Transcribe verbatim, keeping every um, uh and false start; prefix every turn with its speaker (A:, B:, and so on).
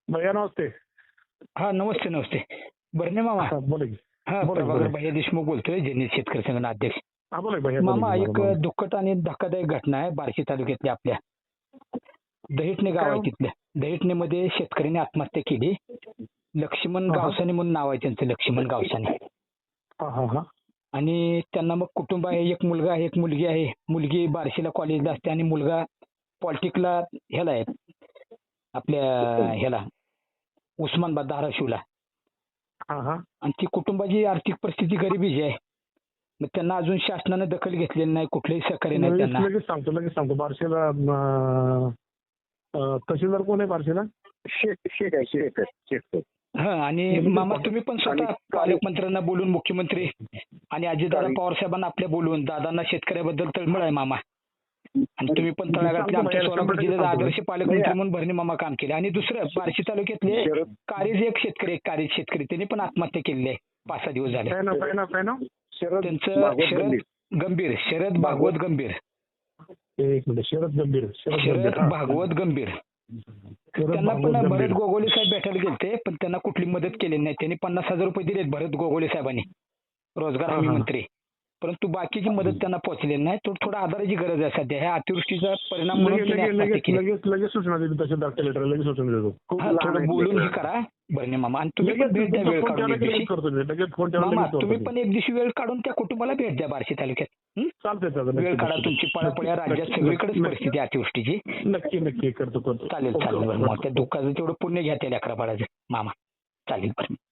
A: भैया नमस्ते.
B: हा नमस्ते नमस्ते. बर्ने मामा.
A: हा, बोला की.
B: हा
A: बोला की,
B: प्रभाकर
A: बोला.
B: भैया देशमुख बोलतोय, जनहित शेतकरी संघटना अध्यक्ष.
A: हा बोला की भैया, बोला
B: मामा
A: की,
B: एक
A: बोला, बोला.
B: दुःखद आणि धक्कादायक घटना आहे बार्शी तालुक्यातल्या आपल्या. दहिटणे गाव
A: काय
B: आहे
A: हो?
B: तिथल्या. दहिटणेमध्ये शेतकऱ्याने आत्महत्या केली. लक्ष्मण
A: हा, हा.
B: गावसाने म्हणून नाव आहे त्यांचं, लक्ष्मण गावसाने.
A: हा हा हा.
B: आणि त्यांना मग कुटुंब आहे, एक मुलगा आहे, एक मुलगी आहे. मुलगी बार्शीला कॉलेजला असते आणि मुलगा पॉलिटिकला ह्याला आहे आपल्या ह्याला उस्मानाबाद धाराशिवला.
A: हा हा.
B: आणि ती कुटुंबाची आर्थिक परिस्थिती गरिबीची आहे. मग त्यांना अजून शासनानं दखल घेतलेली नाही, कुठलंही सहकार्य नाही
A: लगेच
B: त्यांना.
A: लगेच सांगतो लगेच सांगतो बार्शीला अं, अं, तहसीलदार कोण आहे बार्शीला?
C: शेत शेत आहे शेत शेत
B: हा आणि
A: म्हणजे
B: मामा
A: कोण-
B: तुम्ही पण स्वतः
C: आणि-
B: पालकमंत्र्यांना बोलून, मुख्यमंत्री आणि अजितदादा
C: चालेल.
B: पवार साहेबांना आपल्या बोलवून, दादांना शेतकऱ्याबद्दल तळमळ आहे मामा. आणि तुम्ही पण तळागाळातले
A: सांगतो
B: आमच्या
A: भैया,
B: सोलापूर
A: शंभर
B: जिल्ह्याचे
A: टक्के
B: आदर्श
A: सांगतो.
B: पालकमंत्री
C: भैया.
B: म्हणून भरणे मामा काम केले. आणि दुसरं बार्शी तालुक्यातले
C: शरद
B: कारेज एक शेतकरी एक कारेज शेतकरी त्यांनी पण आत्महत्या केलेली आहे पाच सहा दिवस झाले.
A: काय नाव काय नाव काय नाव?
C: शरद
B: त्यांचं
C: भागवत
B: शरद
C: गंभीर.
B: गंभीर शरद भागवत गंभीर
A: एक मिनिट. शरद गंभीर. शरद
B: शरद
A: गंभीर. हा.
B: भागवत गंभीर.
A: शरद
B: त्यांना
A: भागवत
B: पण
A: गंभीर.
B: भरत गोगोले साहेब भेटायला गेलते, पण त्यांना कुठली मदत केली नाही. त्यांनी पन्नास हजार रुपये दिलेत भरत गोगोले साहेबांनी, रोजगार
A: हा,
B: हमी
A: हा.
B: मंत्री. परंतु बाकीची मदत त्यांना पोहोचलेली नाही. तो थोडा आधाराची गरज आहे सध्या. ह्या अतिवृष्टीचा परिणाम म्हणून
A: लगेच
B: त्यांनी
A: लगेच
B: आत्महत्या
A: लगेच
B: केली.
A: लगेच लगेच सूचना देतो तहसीलदार लेटर लगेच सूचना देतो.
C: खूप
B: हा,
C: लहान
B: थोडं
C: आहेत
B: बोलून हे
C: लेकरं.
B: करा भरणे मामा. आणि तुम्ही
A: लगेच
B: पण भेट द्या
A: तुमचा
B: वेळ
A: फोन
B: काढून
A: ठेवला
B: एक
A: की लगेच
B: दिवशी.
A: करतो मी. लगेच फोन ठेवला
B: मामा
A: लगेच करतो
B: तुम्ही
A: मी.
B: पण एक दिवशी वेळ काढून त्या कुटुंबाला भेट द्या बार्शी तालुक्यात. हं?
A: चालतंय चालतंय.
B: वेळ
A: नक्की,
B: काढा.
A: नक्की.
B: तुमची पळापळ या राज्यात
A: नक्की,
B: सगळीकडेच
A: नक्की,
B: परिस्थिती आहे अतिवृष्टीची.
A: नक्की नक्की करतो करतो.
B: चालेल
A: ओके,
B: चालेल
A: ओके,
B: बरं. मग
A: ओके.
B: त्या दुःखाचं तेवढं पुण्य घ्या त्या लेकरा बाळाचं मामा. चालेल बरं.